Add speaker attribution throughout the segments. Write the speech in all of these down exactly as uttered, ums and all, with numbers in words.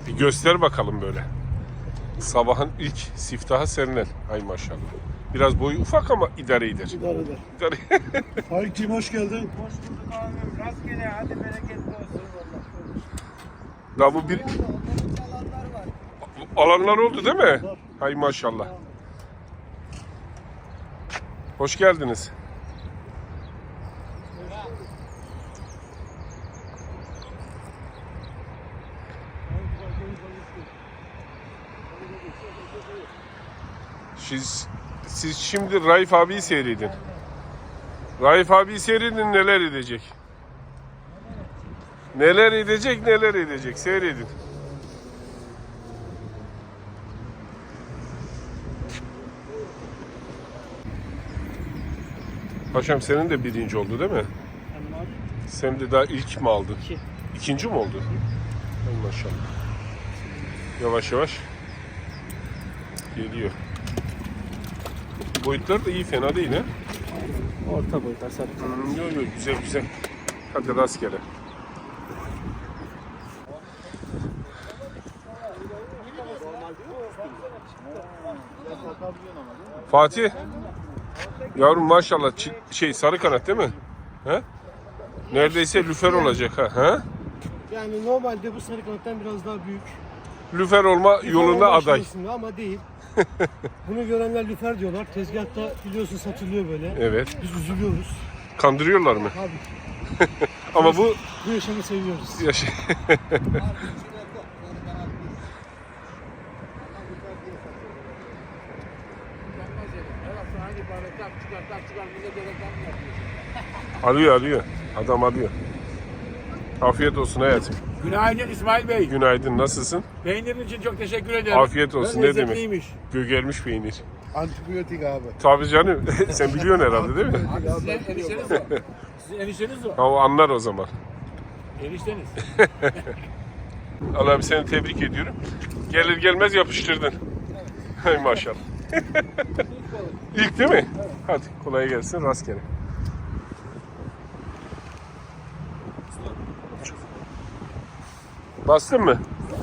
Speaker 1: Bir göster bakalım böyle. Sabahın ilk siftahı senden. Ay maşallah. Biraz boyu ufak ama idare eder.
Speaker 2: İdare eder.
Speaker 1: İdare.
Speaker 2: Faik'cim hoş geldin.
Speaker 3: Hoş bulduk abim. Rastgele hadi bereketli olsun.
Speaker 1: Daha bu bir alanlar oldu değil mi? Hay maşallah. Hoş geldiniz. Siz, siz şimdi Raif abiyi seyredin. Raif abiyi seyredin, neler edecek. Neler edecek, neler edecek. Seyredin. Paşam senin de birinci oldu değil mi? Sen de daha ilk mi aldın?
Speaker 3: İki.
Speaker 1: İkinci mi oldu? Hay maşallah. Yavaş yavaş geliyor. Boyutlar da iyi, fena değil ha.
Speaker 3: Orta boyutlar sarı.
Speaker 1: Hmm, yok yok, güzel güzel. Hadi rastgele. Fatih. Yavrum maşallah çi- şey sarı kanat değil mi? He? Neredeyse lüfer olacak ha. He?
Speaker 2: Yani normalde bu sarı kanattan biraz daha büyük.
Speaker 1: Lüfer olma yolunda
Speaker 2: Lüfer
Speaker 1: aday.
Speaker 2: aşamasında ama değil. Bunu görenler lüfer diyorlar. Tezgahta biliyorsun satılıyor böyle.
Speaker 1: Evet.
Speaker 2: Biz üzülüyoruz.
Speaker 1: Kandırıyorlar mı?
Speaker 2: Abi
Speaker 1: Ama bu
Speaker 2: bu yaşamı seviyoruz.
Speaker 1: yaş- Alıyor alıyor. Adam alıyor. Afiyet olsun hayatım.
Speaker 4: Günaydın İsmail Bey.
Speaker 1: Günaydın, nasılsın?
Speaker 4: Peynirin için çok teşekkür ederim.
Speaker 1: Afiyet olsun, ne demek?
Speaker 4: Lezzetliymiş.
Speaker 1: Gögermiş peynir.
Speaker 2: Antibiyotik abi.
Speaker 1: Tabii canım. Sen biliyorsun herhalde değil mi?
Speaker 4: Abi sizin enişteniz o. Sizin enişteniz o.
Speaker 1: Ha, o anlar o zaman.
Speaker 4: Enişteniz.
Speaker 1: Allah abi, seni tebrik ediyorum. Gelir gelmez yapıştırdın. Hay maşallah. İlk değil mi? Hadi kolay gelsin, rastgele. Bastın mı?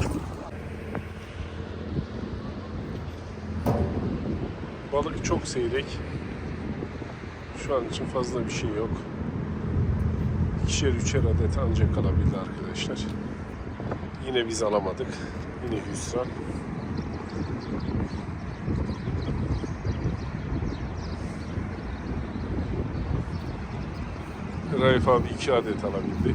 Speaker 1: Balık çok seyrek. Şu an için fazla bir şey yok. İkişer üçer adet ancak kalabildi arkadaşlar. Yine biz alamadık. Yine hüsran. Raif abi iki adet alabildi.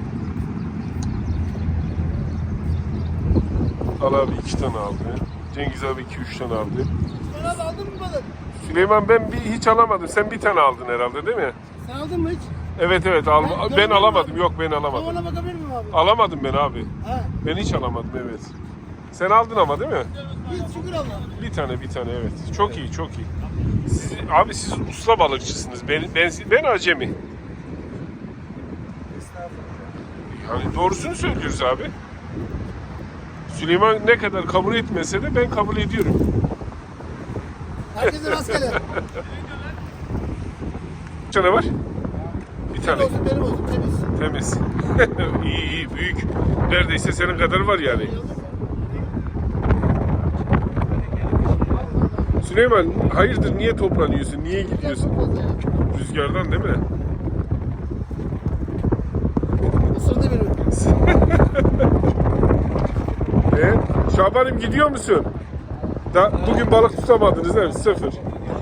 Speaker 1: Al abi iki tane aldı. Cengiz abi iki üç tane aldı.
Speaker 2: Sen abi aldın mı balık?
Speaker 1: Süleyman, ben bir hiç alamadım. Sen bir tane aldın herhalde değil mi?
Speaker 2: Sen aldın mı hiç?
Speaker 1: Evet evet alma.
Speaker 2: Ben-
Speaker 1: Ben
Speaker 2: ben
Speaker 1: alamadım. Yok ben alamadım.
Speaker 2: Tavana bakabilir miyim abi?
Speaker 1: Alamadım ben abi.
Speaker 2: Ha.
Speaker 1: Ben hiç alamadım, evet. Sen aldın ama değil mi?
Speaker 2: Biz şükür Allah.
Speaker 1: Bir tane bir tane, evet. Çok iyi çok iyi. Siz, abi siz usta balıkçısınız. Ben ben ben acemi. Yani doğrusunu söylüyoruz abi. Süleyman ne kadar kabul etmese de ben kabul ediyorum.
Speaker 2: Herkese rastgele.
Speaker 1: Kaç tane var? Bir tane.
Speaker 2: Olsun benim olsun temiz.
Speaker 1: Temiz. İyi iyi, büyük. Neredeyse senin kadar var yani. Süleyman, hayırdır, niye toplanıyorsun? Niye gidiyorsun? Rüzgardan değil mi?
Speaker 2: Isırdı beni.
Speaker 1: E, Şaban'ım gidiyor musun? Da, bugün balık tutamadınız değil mi? Sıfır.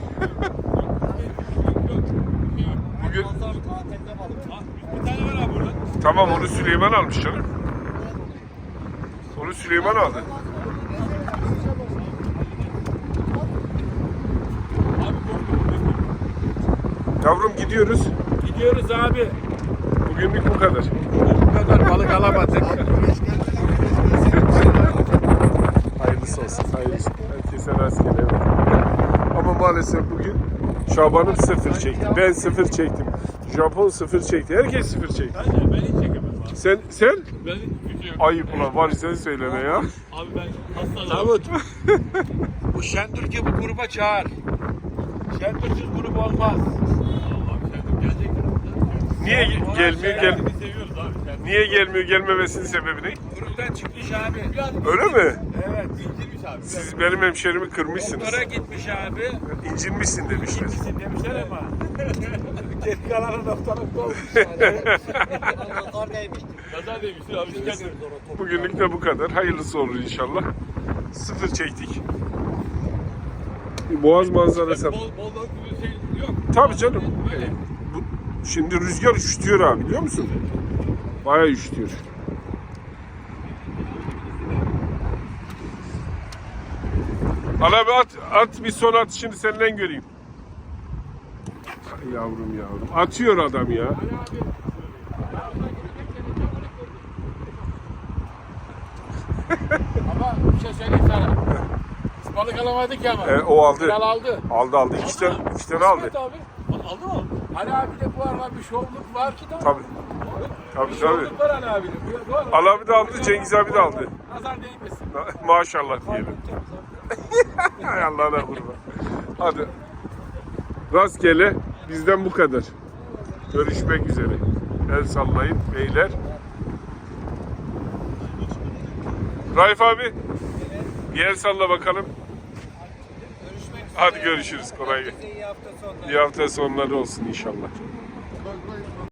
Speaker 1: Bugün...
Speaker 4: Bir tane var abi burada.
Speaker 1: Tamam, onu Süleyman almış canım. Onu Süleyman aldı. Yavrum gidiyoruz.
Speaker 4: Gidiyoruz abi.
Speaker 1: Bugünlük bu kadar.
Speaker 4: Bu kadar balık alamadık.
Speaker 1: Hayırlısı olsun. Hayırlısı. Herkese rastgele. Evet. Ama maalesef bugün Şaban'ım sıfır çekti. Ben sıfır çektim. Japon sıfır çekti. Herkes sıfır çekti.
Speaker 4: Ben hiç çekemem abi.
Speaker 1: Sen, sen?
Speaker 4: Ben hiç gücü yok.
Speaker 1: Ayıp ulan, var sen söyleme ya.
Speaker 4: Abi ben hasta Davut. Bu Şentürk'ü bu gruba çağır. Şentürk'süz grup olmaz. Allah'ım Şentürk gelecek.
Speaker 1: Niye ge- gelmiyor? Gel.
Speaker 4: Şentürk'ü seviyoruz abi. Şentürk.
Speaker 1: Niye gelmiyor, gelmemesinin sebebi ne?
Speaker 4: Kuruktan çıkmış abi.
Speaker 1: Öyle mi?
Speaker 4: Evet.
Speaker 1: Siz benim hemşerimi kırmışsınız.
Speaker 4: Doktora gitmiş abi.
Speaker 1: İncinmişsin demişler.
Speaker 4: Gitmişsin demişler ama. Geri kalanı doktora olmuş. Nazar demiştir abi.
Speaker 1: Bugünlük de bu kadar. Hayırlısı olur inşallah. Sıfır çektik. Boğaz manzarası.
Speaker 4: Bol bol bol bir şey yok.
Speaker 1: Tabii canım. Bu, şimdi rüzgar üşütüyor abi, biliyor musun? Bayağı üşütüyor. Al abi at, at bir son atışını senden göreyim. Ay yavrum yavrum. Atıyor adam ya.
Speaker 4: Ama bir şey söyleyeyim sana. Biz balık alamadık ya ama.
Speaker 1: E, o aldı.
Speaker 4: Kral aldı.
Speaker 1: Aldı aldı. İki tane, iki tane aldı.
Speaker 4: İsmet abi. Aldı mı? Ali abi de bu arada bir şovluk var ki da.
Speaker 1: Tabii. Tabii
Speaker 4: Bir
Speaker 1: tabii.
Speaker 4: şovluk var Ali abinin. Bu- bu arada-
Speaker 1: Ali abi de aldı, Cengiz abi de aldı.
Speaker 4: Nazar değmesin.
Speaker 1: Maşallah diyelim. Hay Allah'ına kurban. Hadi. Rastgele bizden bu kadar. Görüşmek üzere. El sallayın beyler. Raif abi. Bir el salla bakalım. Hadi görüşürüz. Kolay gelsin.
Speaker 3: İyi hafta sonları.
Speaker 1: İyi hafta sonları olsun inşallah.